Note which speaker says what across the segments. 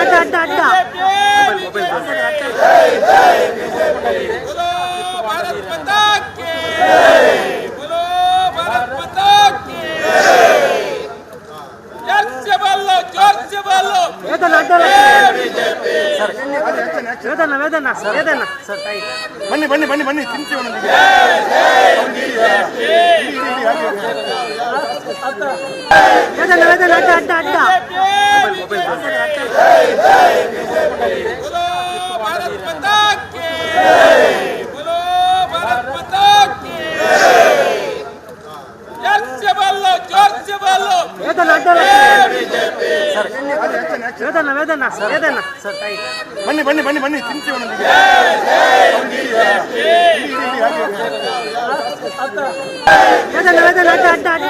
Speaker 1: ಅಡ್ಡ ಅಡ್ಡ
Speaker 2: ಬನ್ನಿ ಬನ್ನಿ ಬನ್ನಿ ಬನ್ನಿ ತಿಂತೀವಿ
Speaker 1: ಅಡ್ಡ ಅಡ್ಡ ಅಡ್ಡ
Speaker 2: ಬನ್ನಿ ಬನ್ನಿ ಬನ್ನಿ ಬನ್ನಿ ತಿಂತೀವಿ
Speaker 1: ಅಡ್ಡ ಅಡ್ಡ ಅಡ್ಡ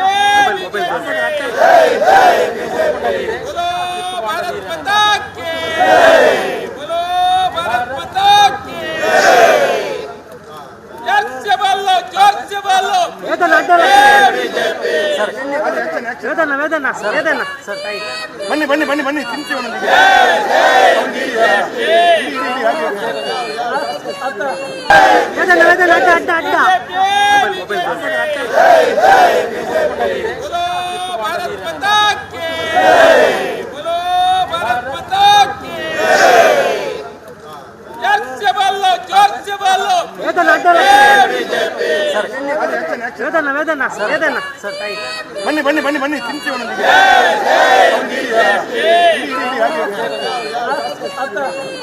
Speaker 2: ಬನ್ನಿ ಬನ್ನಿ ಬನ್ನಿ ಬನ್ನಿ ತಿಂತೀವಿ
Speaker 1: ಅಡ್ಡ ಅಡ್ಡ
Speaker 2: ಬನ್ನಿ ಬನ್ನಿ ಬನ್ನಿ ಬನ್ನಿ ತಿಂತೀವಿ